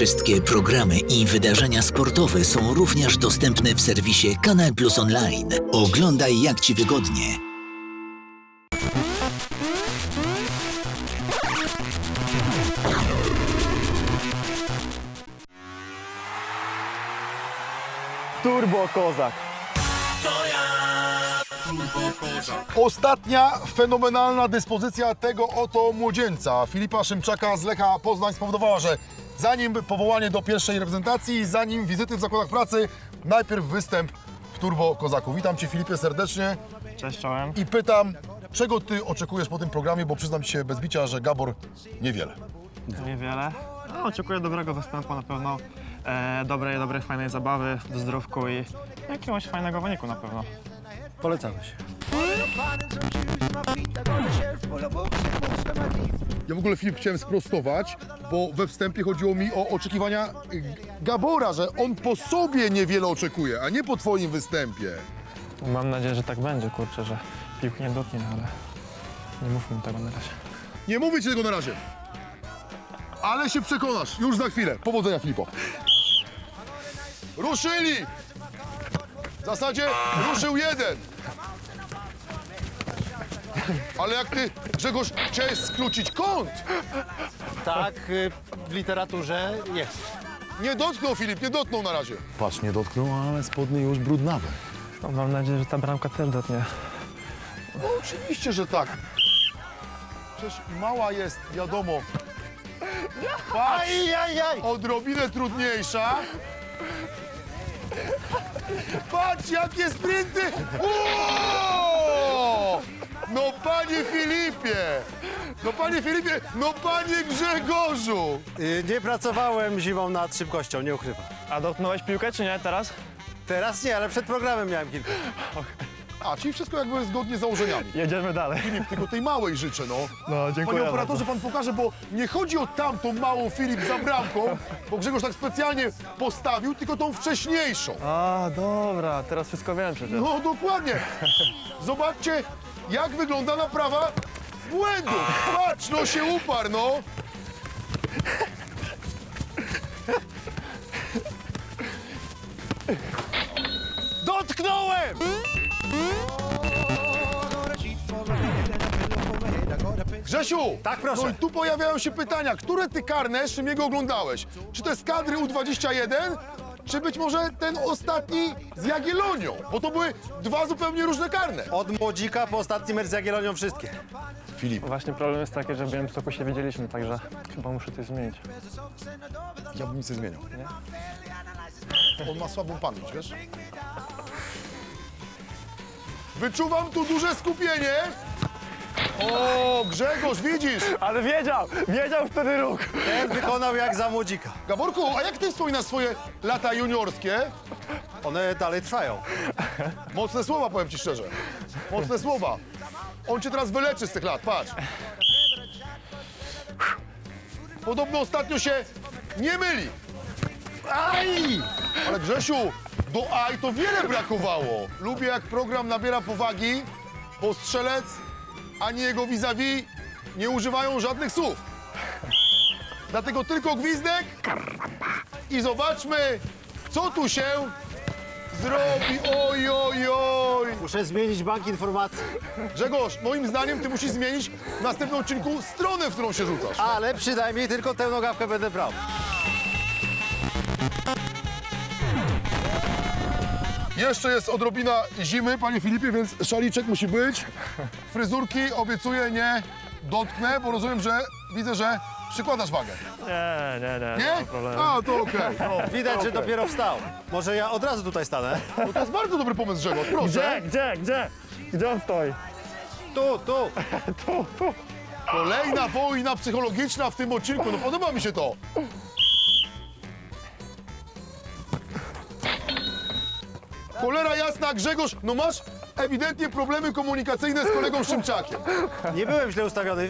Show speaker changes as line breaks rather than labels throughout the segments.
Wszystkie programy i wydarzenia sportowe są również dostępne w serwisie Kanal Plus Online. Oglądaj jak Ci wygodnie.
Turbo Kozak.
Ostatnia fenomenalna dyspozycja tego oto młodzieńca, Filipa Szymczaka z Lecha Poznań, spowodowała, że zanim powołanie do pierwszej reprezentacji, zanim wizyty w zakładach pracy, najpierw występ w Turbo Kozaku. Witam Cię, Filipie, serdecznie.
Cześć, czołem.
I pytam, czego Ty oczekujesz po tym programie, bo przyznam Ci się bez bicia, że Gabor niewiele.
Niewiele. No, oczekuję dobrego występu na pewno. Dobrej, fajnej zabawy, w zdrówku i jakiegoś fajnego wyniku na pewno.
Polecamy się.
Ja w ogóle, Filip, chciałem sprostować, bo we wstępie chodziło mi o oczekiwania Gabora, że on po sobie niewiele oczekuje, a nie po Twoim występie.
Mam nadzieję, że tak będzie, kurczę, że piłki nie dotknie, ale nie mówmy tego na razie.
Nie mówię Ci tego na razie, ale się przekonasz już za chwilę. Powodzenia, Filipo. Ruszyli! W zasadzie ruszył jeden. Ale jak Ty, Grzegorz, chciałeś skrócić kąt.
Tak, w literaturze jest.
Nie dotknął, Filip, nie dotknął na razie.
Patrz, nie dotknął, ale spodnie już brudnawe.
No, mam nadzieję, że ta bramka też dotknie.
No, oczywiście, że tak. Przecież mała jest, wiadomo. Patrz, odrobinę trudniejsza. Patrz, jakie sprinty! O! No panie Filipie! No panie Filipie! No panie Grzegorzu!
Nie pracowałem zimą nad szybkością, nie ukrywam.
A dotknąłeś piłkę, czy nie teraz?
Teraz nie, ale przed programem miałem kilka.
A, czyli wszystko jakby zgodnie z założeniami.
Jedziemy dalej.
Filip, tylko tej małej życzę, no.
No, dziękuję
Panie operatorze,
bardzo.
pan pokaże, bo nie chodzi o tamtą małą, Filip, za bramką, bo Grzegorz tak specjalnie postawił, tylko tą wcześniejszą.
A, dobra, teraz wszystko wiem przecież.
No dokładnie. Zobaczcie, jak wygląda naprawa błędów. Patrz, no się uparł, no.
Dotknąłem!
Grzesiu!
Tak, proszę.
No i tu pojawiają się pytania, które ty karne Szymiego oglądałez? Czy to jest kadry U21, czy być może ten ostatni z Jagiellonią? Bo to były dwa zupełnie różne karne.
Od młodzika po ostatni mecz z Jagiellonią wszystkie.
Filip,
Właśnie problem jest taki, że w Białymstoku się widzieliśmy, także chyba muszę coś zmienić.
ja bym nic nie zmieniał. On ma słabą pamięć, wiesz? Wyczuwam tu duże skupienie. O, Grzegorz, widzisz?
Ale wiedział wtedy ruch.
Ten wykonał jak za młodzika.
Gaborku, a jak ty wspominasz swoje lata juniorskie?
One dalej trwają.
Mocne słowa, powiem ci szczerze. Mocne słowa. On cię teraz wyleczy z tych lat, patrz. Podobno ostatnio się nie myli. Aj! Ale Grzesiu, do aj to wiele brakowało. Lubię, jak program nabiera powagi, bo strzelec ani jego vis-a-vis nie używają żadnych słów. Dlatego tylko gwizdek i zobaczmy, co tu się zrobi. Oj, oj, oj.
Muszę zmienić bank informacji.
Grzegorz, moim zdaniem ty musisz zmienić w następnym odcinku stronę, w którą się rzucasz.
Ale przynajmniej tylko tę nogawkę będę brał.
Jeszcze jest odrobina zimy, panie Filipie, więc szaliczek musi być. Fryzurki obiecuję nie dotknę, bo rozumiem, że widzę, że przykładasz wagę.
Nie
Nie?
ma problemu.
A, to okej. No,
Widać, że
okej.
dopiero wstał. Może ja od razu tutaj stanę?
No to jest bardzo dobry pomysł, Grzegorz, proszę.
Gdzie on stoi?
Tu.
Tu.
Kolejna wojna psychologiczna w tym odcinku, no podoba mi się to. Cholera jasna, Grzegorz, no masz ewidentnie problemy komunikacyjne z kolegą Szymczakiem.
Nie byłem źle ustawiony.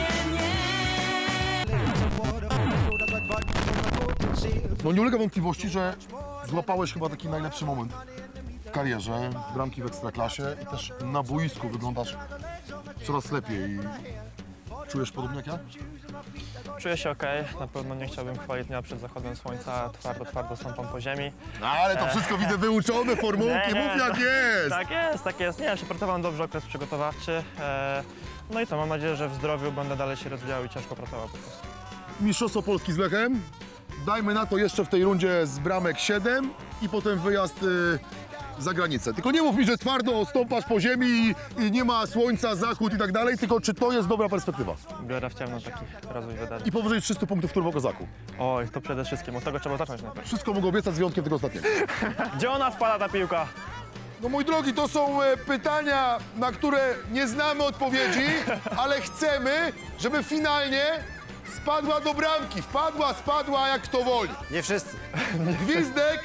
No nie ulega wątpliwości, że złapałeś chyba taki najlepszy moment w karierze, bramki w Ekstraklasie i też na boisku wyglądasz coraz lepiej. Czujesz podobnie jak ja?
Czuję się okej. Na pewno nie chciałbym chwalić dnia przed zachodem słońca. Twardo stąpam po ziemi.
No ale to wszystko widzę wyuczone, formułki,
Nie,
mów jak jest.
Tak jest. Nie, przepracowałem dobrze okres przygotowawczy. No i co, mam nadzieję, że w zdrowiu będę dalej się rozwijał i ciężko pracował po prostu.
Mistrzostwo Polski z Lechem. Dajmy na to jeszcze w tej rundzie z bramek 7 i potem wyjazd za granicę. Tylko nie mów mi, że twardo stąpasz po ziemi i nie ma słońca, zachód i tak dalej, tylko czy to jest dobra perspektywa?
Biorę w ciemno taki rozwój wydarzeń.
I powyżej 300 punktów w Turbokozaku.
Oj, to przede wszystkim, od tego trzeba zacząć najpierw.
Wszystko mogę obiecać z wyjątkiem tego ostatniego.
Gdzie ona wpada ta piłka?
No mój drogi, to są pytania, na które nie znamy odpowiedzi, ale chcemy, żeby finalnie spadła do bramki. Spadła, jak kto woli.
Nie wszyscy.
Gwizdek.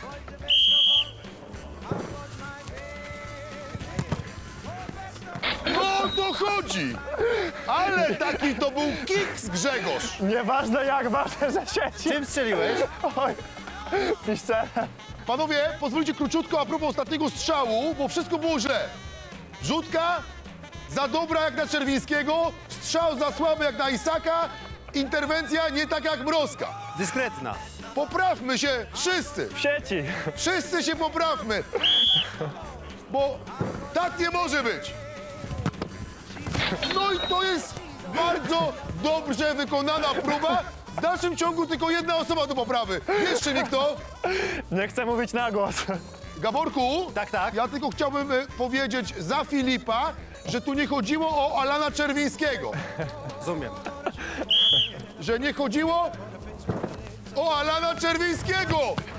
No o to chodzi. Ale taki to był kiks, Grzegorz.
Nieważne jak, ważne, że sieci.
Czym strzeliłeś?
Oj, piszcze.
Panowie, pozwólcie króciutko a propos ostatniego strzału, bo wszystko było źle. Rzutka za dobra jak na Czerwińskiego, strzał za słaby jak na Isaka, interwencja nie tak jak Mrozka.
Dyskretna.
Poprawmy się wszyscy,
W sieci.
wszyscy się poprawmy, bo tak nie może być. No i to jest bardzo dobrze wykonana próba. W dalszym ciągu tylko jedna osoba do poprawy. Jeszcze mi kto?
Nie chcę mówić na głos.
Gaborku,
Tak.
ja tylko chciałbym powiedzieć za Filipa, że tu nie chodziło o Alana Czerwińskiego.
Rozumiem.
Że nie chodziło o Alana Czerwińskiego.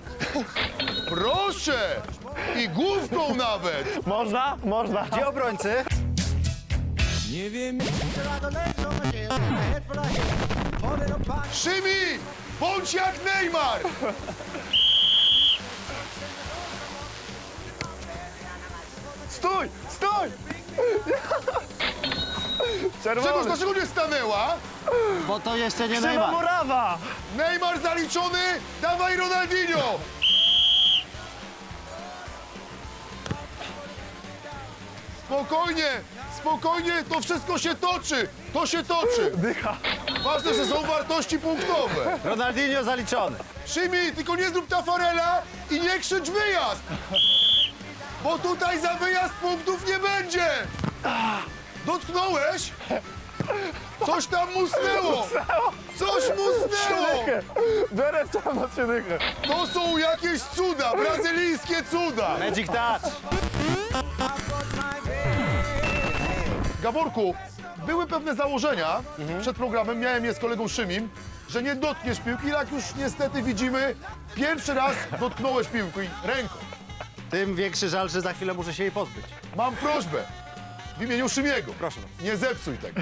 Proszę! I główką nawet.
Można? Można.
Gdzie obrońcy?
Szymi, bądź jak Neymar.
Stój! Stój!
Czegoś
Czerwony!
dlaczego nie stanęła?
Bo to jeszcze nie
Krzywa
Neymar.
murawa!
Neymar zaliczony, dawaj Ronaldinho. Spokojnie, to wszystko się toczy. To się toczy.
Dycha.
Ważne, że są wartości punktowe.
Ronaldinho zaliczony.
Szymi, tylko nie zrób Tafarela i nie krzycz wyjazd! Bo tutaj za wyjazd punktów nie będzie! Dotknąłeś? Coś tam musnęło! Coś musnęło!
Biorę tam na dychę.
To są jakieś cuda, brazylijskie cuda!
Magic touch.
Gaborku, były pewne założenia przed programem, miałem je z kolegą Szymim, że nie dotkniesz piłki, jak już niestety widzimy, pierwszy raz dotknąłeś piłki ręką.
Tym większy żal, że za chwilę muszę się jej pozbyć.
Mam prośbę w imieniu Szymiego.
Proszę bardzo.
Nie zepsuj tego.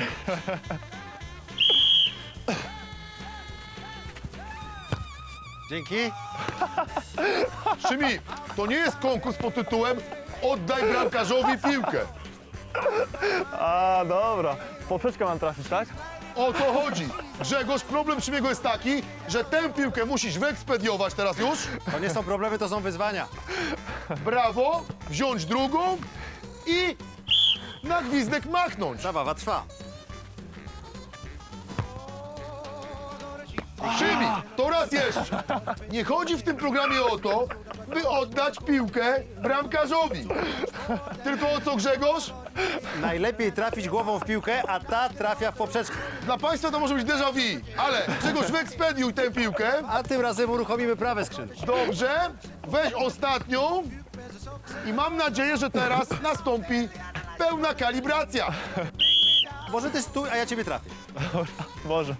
Dzięki.
Szymi, to nie jest konkurs pod tytułem Oddaj bramkarzowi piłkę.
A, dobra. W poprzeczkę mam trafić, tak?
O to chodzi. Grzegorz, problem Szymiego jest taki, że tę piłkę musisz wyekspediować teraz już.
To nie są problemy, to są wyzwania.
Brawo, wziąć drugą i na gwizdek machnąć.
Zabawa trwa.
Szymi, to raz jeszcze. Nie chodzi w tym programie o to, by oddać piłkę bramkarzowi. Tylko o co, Grzegorz?
Najlepiej trafić głową w piłkę, a ta trafia w poprzeczkę.
Dla Państwa to może być déjà vu, ale Grzegorz, wyekspediuj tę piłkę.
A tym razem uruchomimy prawe skrzydło.
Dobrze, weź ostatnią i mam nadzieję, że teraz nastąpi pełna kalibracja.
Może ty stój, a ja ciebie trafię.
Może.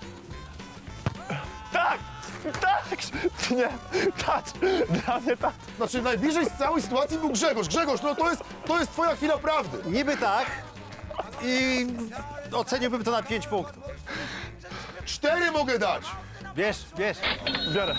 Tak! Tak! Nie, tak! Dla mnie tak.
Znaczy najbliżej z całej sytuacji był Grzegorz. Grzegorz, no to jest twoja chwila prawdy.
Niby tak i oceniłbym to na 5 punktów.
4 mogę dać.
Bierz.
Biorę.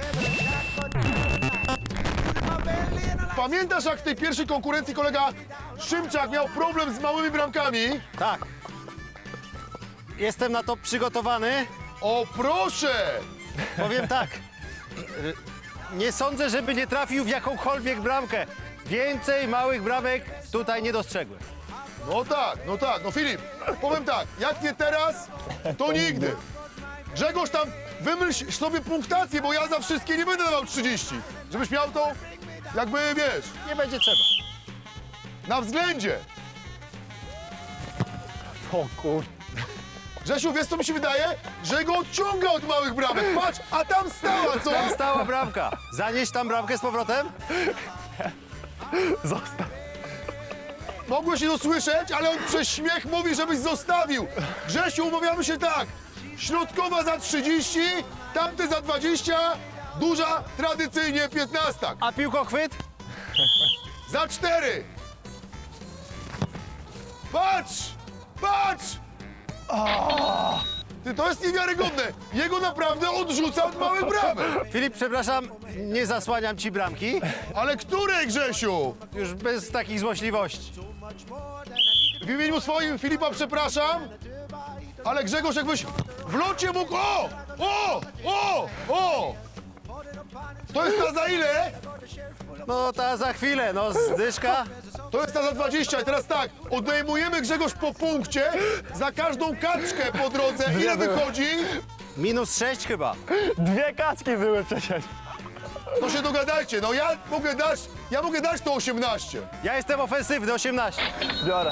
Pamiętasz, jak w tej pierwszej konkurencji kolega Szymczak miał problem z małymi bramkami?
Tak. Jestem na to przygotowany.
O proszę!
Powiem tak. Nie sądzę, żeby nie trafił w jakąkolwiek bramkę. Więcej małych bramek tutaj nie dostrzegłem.
No tak, no Filip, powiem tak, jak nie teraz, to nigdy. Grzegorz tam, wymyśl sobie punktację, bo ja za wszystkie nie będę dawał 30. Żebyś miał to, jakby, wiesz,
Nie będzie trzeba.
na względzie.
O kur...
Grzesiu, wiesz co mi się wydaje? Że go odciąga od małych bramek. Patrz, a tam stała, co?
Tam stała bramka. Zanieść tam bramkę z powrotem?
Zostaw.
Mogłeś nie dosłyszeć, ale on przez śmiech mówi, żebyś zostawił. Grzesiu, umawiamy się tak. Środkowa za 30, tamte za 20, duża tradycyjnie 15.
A piłkochwyt?
Za 4. Patrz! Patrz! Ty, to jest niewiarygodne. Jego naprawdę odrzuca od małych bramek.
Filip, przepraszam, nie zasłaniam ci bramki.
Ale której, Grzesiu?
Już bez takich złośliwości.
W imieniu swoim Filipa przepraszam, ale Grzegorz jakbyś w locie mógł... O! O! O! O! To jest ta za ile?
No ta za chwilę, no zdyszka.
To jest ta za 20. I teraz tak, odejmujemy Grzegorz po punkcie za każdą kaczkę po drodze. Ile wychodzi?
-6 chyba.
2 kaczki były przecież.
To się dogadajcie. No ja mogę dać to 18.
Ja jestem ofensywny, 18.
Biorę.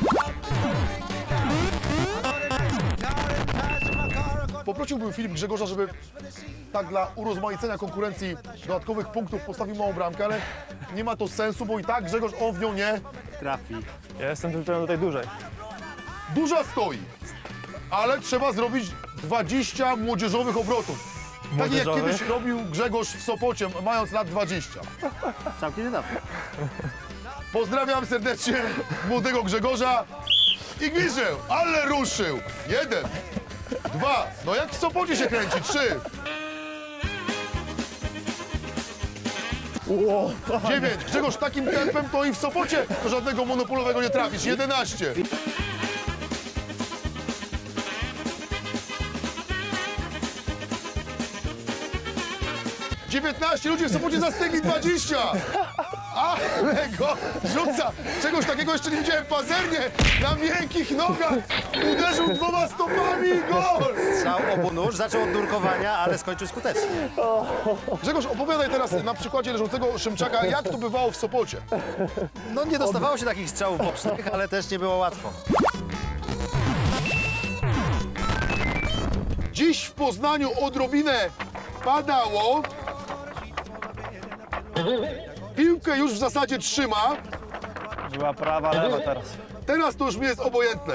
Poprosiłbym Filip Grzegorza, żeby tak dla urozmaicenia konkurencji dodatkowych punktów postawił małą bramkę, ale nie ma to sensu, bo i tak Grzegorz, on w nią nie...
Trafi.
Ja jestem tylko do tej dużej.
Duża stoi, ale trzeba zrobić 20 młodzieżowych obrotów. Tak jak
Młodzieżowych?
kiedyś robił Grzegorz w Sopocie, mając lat 20.
Całkiem niedawno.
Pozdrawiam serdecznie młodego Grzegorza i gwizdże, ale ruszył. 1, 2, no jak w Sopocie się kręci, 3. 9. Grzegorz, takim tempem to i w Sopocie do żadnego monopolowego nie trafisz. 11. Ludzie w Sopocie zastygli 20. Ale go rzuca. Czegoś takiego jeszcze nie widziałem. Pazernie na miękkich nogach uderzył 2 stopami i gol.
Strzał obu nóż, zaczął od nurkowania, ale skończył skutecznie.
Grzegorz, opowiadaj teraz na przykładzie leżącego Szymczaka, jak to bywało w Sopocie.
No nie dostawało się takich strzałów bocznych, ale też nie było łatwo.
Dziś w Poznaniu odrobinę padało. Piłkę już w zasadzie trzyma.
Była prawa, lewa teraz.
Teraz to już mi jest obojętne.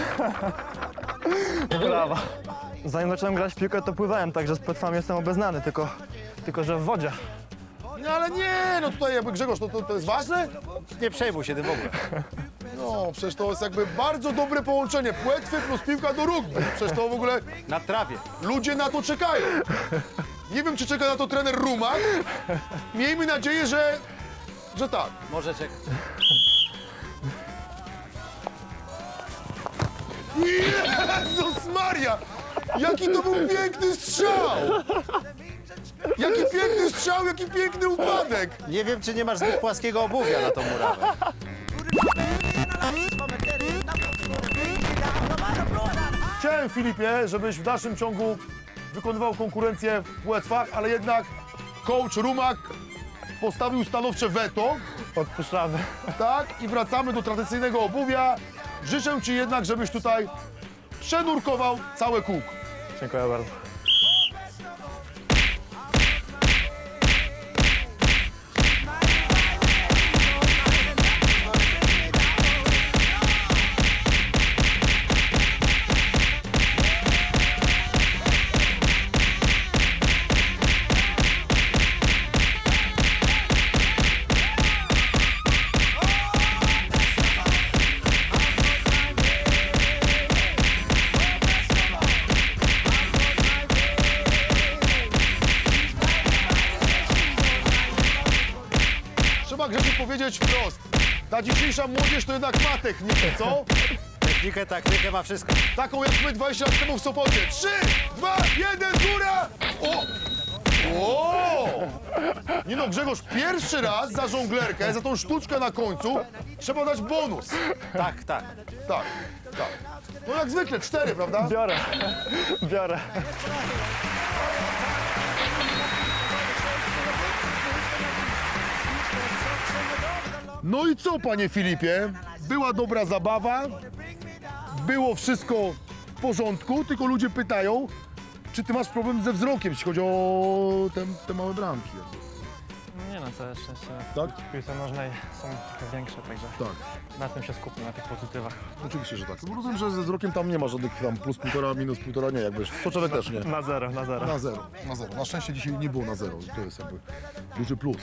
Prawa. Zanim zacząłem grać w piłkę, to pływałem, także z płetwami jestem obeznany, tylko że w wodzie.
No ale nie, no tutaj jakby Grzegorz, to jest ważne?
Nie przejmuj się tym w ogóle.
No, przecież to jest jakby bardzo dobre połączenie. Płetwy plus piłka do rugby. Przecież to w ogóle
Na trawie.
ludzie na to czekają. Nie wiem, czy czeka na to trener Rumak. Miejmy nadzieję, że tak.
Może czekać.
Jezus Maria! Jaki to był piękny strzał! Jaki piękny strzał, jaki piękny upadek!
Nie wiem, czy nie masz zbyt płaskiego obuwia na tą murawę.
Chciałem, Filipie, żebyś w dalszym ciągu wykonywał konkurencję w płetwach, ale jednak coach Rumak postawił stanowcze weto,
Odpuszczamy.
tak? I wracamy do tradycyjnego obuwia. Życzę ci jednak, żebyś tutaj przenurkował całe kółko.
Dziękuję bardzo.
Trzeba Grzesiu powiedzieć wprost. Ta dzisiejsza młodzież to jednak ma technikę, co?
Technikę, taktykę ma wszystko.
Taką jak my 20 lat temu w Sopocie. 3, 2, 1, góra! O! O! Nie no, Grzegorz, pierwszy raz za żonglerkę, za tą sztuczkę na końcu trzeba dać bonus.
Tak, tak.
Tak, tak. No jak zwykle, 4, prawda?
Biorę, biorę.
No i co, panie Filipie? Była dobra zabawa, było wszystko w porządku, tylko ludzie pytają, czy ty masz problem ze wzrokiem, jeśli chodzi o te małe bramki.
Nie no, całe szczęście.
Tak?
W piłce nożnej są trochę większe, także
Tak,
na tym się skupmy, na tych pozytywach.
oczywiście, że tak. Bo rozumiem, że ze wzrokiem tam nie ma żadnych tam plus 1,5, minus 1,5, nie, jakby soczewek też nie.
Na zero, na zero.
Na zero, na zero. Na szczęście dzisiaj nie było na zero, to jest jakby duży plus.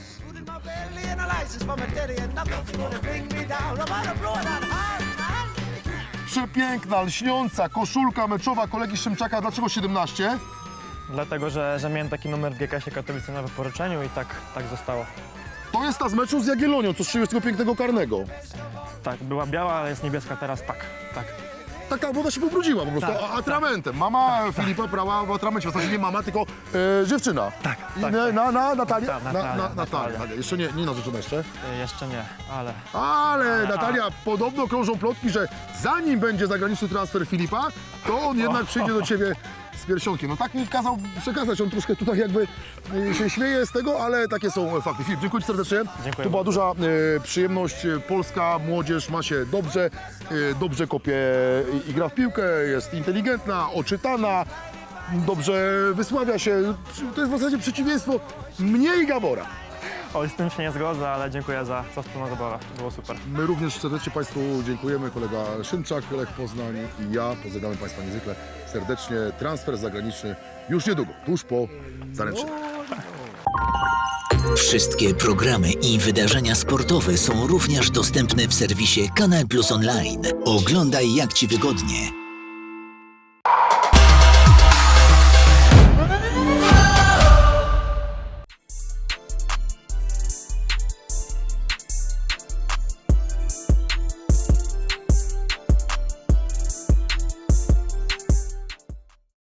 Przepiękna, lśniąca koszulka meczowa kolegi Szymczaka. Dlaczego 17?
Dlatego, że miałem taki numer w GKS-ie Katowice na wyporuczeniu i tak zostało.
To jest ta z meczu z Jagiellonią, co strzelił z tego pięknego karnego.
Tak, była biała, ale jest niebieska teraz, tak.
Taka woda się pobrudziła po prostu,
Tak,
atramentem. Mama Filipa brała w atramencie, w zasadzie nie mama, tylko dziewczyna.
Tak,
I
tak,
Natalia?
Tak, Natalia.
Natalia. Jeszcze nie narzeczona jeszcze.
Jeszcze nie, ale
Ale Natalia, podobno krążą plotki, że zanim będzie zagraniczny transfer Filipa, to on jednak przyjdzie do ciebie z piersionkiem. No tak mi kazał przekazać, on troszkę tutaj jakby się śmieje z tego, ale takie są fakty. Filip, dziękuję ci serdecznie.
Dziękuję
To była
bardzo.
duża przyjemność. Polska młodzież ma się dobrze, dobrze kopie i gra w piłkę, jest inteligentna, oczytana, dobrze wysławia się. To jest w zasadzie przeciwieństwo mnie i Gabora.
oj, z tym się nie zgodzę, ale dziękuję za wspólną zabawę, było super.
My również serdecznie Państwu dziękujemy. Kolega Szymczak, Lech Poznań i ja. Pozdrawiamy Państwa niezwykle serdecznie. Transfer zagraniczny już niedługo, tuż po zaręczynach.
Wszystkie programy i wydarzenia sportowe są również dostępne w serwisie Kanal Plus Online. Oglądaj jak Ci wygodnie.